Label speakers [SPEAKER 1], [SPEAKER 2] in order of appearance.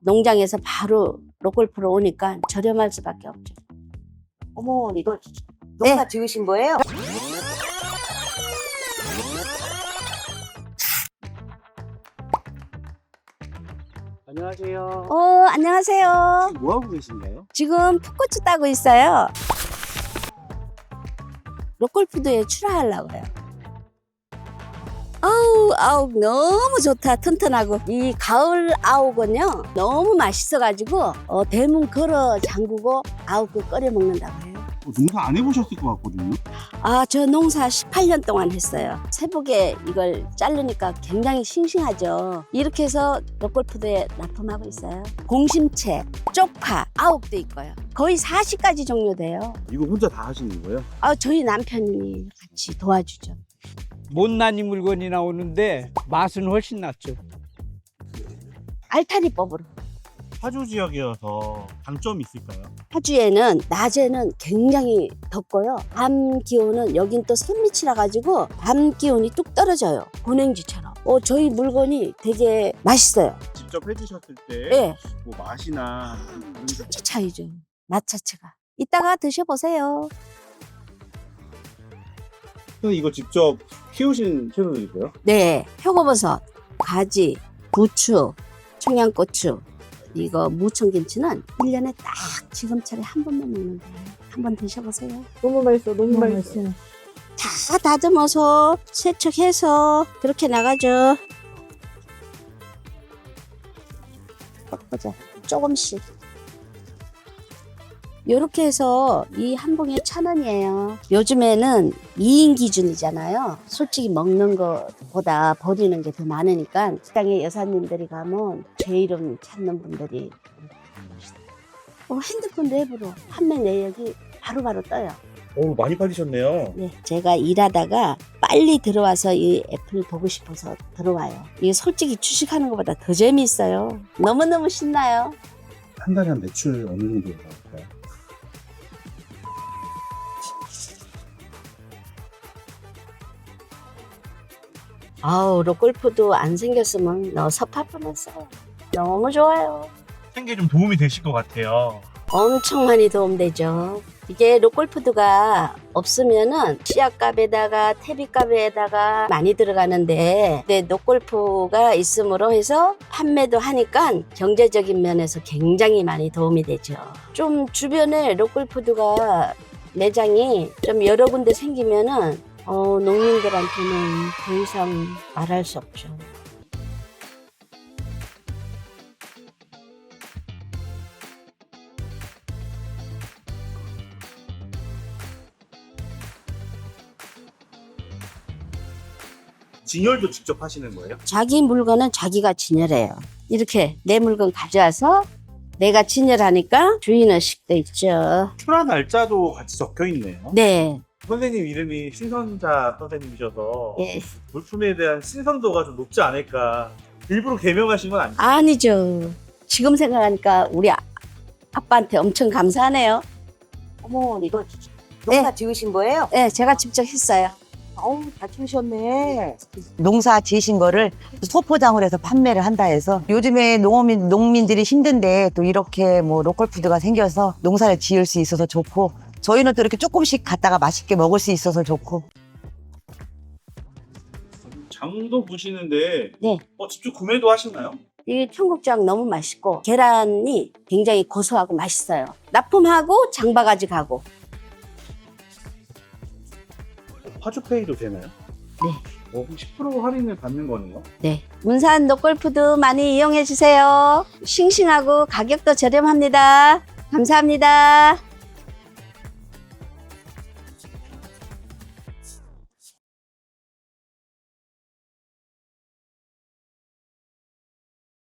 [SPEAKER 1] 농장에서 바로 로컬프로 오니까 저렴할 수밖에 없죠.
[SPEAKER 2] 어머, 이거 농사
[SPEAKER 1] 네.
[SPEAKER 2] 지으신 거예요?
[SPEAKER 3] 안녕하세요.
[SPEAKER 1] 안녕하세요.
[SPEAKER 3] 뭐 하고 계신가요?
[SPEAKER 1] 지금 풋고추 따고 있어요. 로컬푸드에 출하하려고요. 아욱 너무 좋다. 튼튼하고. 이 가을 아욱은요 너무 맛있어가지고 대문 걸어 잠그고 아욱을 끓여 먹는다고 해요.
[SPEAKER 3] 농사 안 해보셨을 것 같거든요.
[SPEAKER 1] 저 농사 18년 동안 했어요. 새벽에 이걸 자르니까 굉장히 싱싱하죠. 이렇게 해서 로컬푸드에 납품하고 있어요. 공심채, 쪽파, 아욱도 있고요. 거의 40가지 종류 돼요.
[SPEAKER 3] 이거 혼자 다 하시는 거예요?
[SPEAKER 1] 저희 남편이 같이 도와주죠.
[SPEAKER 4] 못난이 물건이 나오는데 맛은 훨씬 낫죠.
[SPEAKER 1] 알타리법으로.
[SPEAKER 3] 파주 지역이어서 장점이 있을까요?
[SPEAKER 1] 파주에는 낮에는 굉장히 덥고요. 밤 기온은 여긴 또 산밑이라 가지고 밤 기온이 뚝 떨어져요. 고냉지처럼. 저희 물건이 되게 맛있어요.
[SPEAKER 3] 직접 해주셨을 때
[SPEAKER 1] 예.
[SPEAKER 3] 뭐 맛이나 그런 게
[SPEAKER 1] 천지 차이죠. 맛 자체가. 이따가 드셔보세요.
[SPEAKER 3] 이거 직접 키우신 채소들이고요?
[SPEAKER 1] 네. 표고버섯, 가지, 부추, 청양고추, 이거 무청김치는 1년에 딱 지금처럼 한 번만 먹는 거예요. 한번 드셔보세요.
[SPEAKER 2] 너무 맛있어, 너무 맛있어.
[SPEAKER 1] 다 다듬어서 세척해서 그렇게 나가죠. 꺾어져. 조금씩. 이렇게 해서 이 한 봉에 1,000원이에요. 요즘에는 2인 기준이잖아요. 솔직히 먹는 것보다 버리는 게 더 많으니까 식당에 여사님들이 가면 제 이름 찾는 분들이 핸드폰 앱으로 판매 내역이 바로바로 떠요.
[SPEAKER 3] 오, 많이 팔리셨네요.
[SPEAKER 1] 네, 제가 일하다가 빨리 들어와서 이 앱을 보고 싶어서 들어와요. 이게 솔직히 주식하는 것보다 더 재미있어요. 너무너무 신나요.
[SPEAKER 3] 한 달에 한 매출 어느 정도 나올까요?
[SPEAKER 1] 로컬푸드 안 생겼으면 섭할 뻔했어요. 너무 좋아요.
[SPEAKER 3] 생계에 좀 도움이 되실 것 같아요.
[SPEAKER 1] 엄청 많이 도움되죠. 이게 로컬푸드가 없으면은 씨앗값에다가 퇴비값에다가 많이 들어가는데 로컬푸드가 있음으로 해서 판매도 하니까 경제적인 면에서 굉장히 많이 도움이 되죠. 좀 주변에 로컬푸드가 매장이 좀 여러 군데 생기면은 농민들한테는 더 이상 말할 수 없죠.
[SPEAKER 3] 진열도 직접 하시는 거예요?
[SPEAKER 1] 자기 물건은 자기가 진열해요. 이렇게 내 물건 가져와서 내가 진열하니까 주인의식 돼 있죠.
[SPEAKER 3] 출하 날짜도 같이 적혀 있네요.
[SPEAKER 1] 네.
[SPEAKER 3] 선생님 이름이 신선자 선생님이셔서
[SPEAKER 1] 예.
[SPEAKER 3] 물품에 대한 신선도가 좀 높지 않을까. 일부러 개명하신 건 아니죠?
[SPEAKER 1] 아니죠. 지금 생각하니까 우리 아빠한테 엄청 감사하네요.
[SPEAKER 2] 어머, 이거 농사 지으신 거예요?
[SPEAKER 1] 네, 제가 직접 했어요.
[SPEAKER 2] 어우, 다 키우셨네. 농사 지으신 거를 소포장을 해서 판매를 한다 해서 요즘에 농민들이 힘든데 또 이렇게 뭐 로컬푸드가 생겨서 농사를 지을 수 있어서 좋고 저희는 또 이렇게 조금씩 갖다가 맛있게 먹을 수 있어서 좋고.
[SPEAKER 3] 장도 보시는데
[SPEAKER 1] 네.
[SPEAKER 3] 직접 구매도 하시나요?
[SPEAKER 1] 이 청국장 너무 맛있고 계란이 굉장히 고소하고 맛있어요. 납품하고 장바가지 가고.
[SPEAKER 3] 파주페이도 되나요?
[SPEAKER 1] 네.
[SPEAKER 3] 10% 할인을 받는 거네요?
[SPEAKER 1] 네. 문산 로컬푸드 많이 이용해 주세요. 싱싱하고 가격도 저렴합니다. 감사합니다.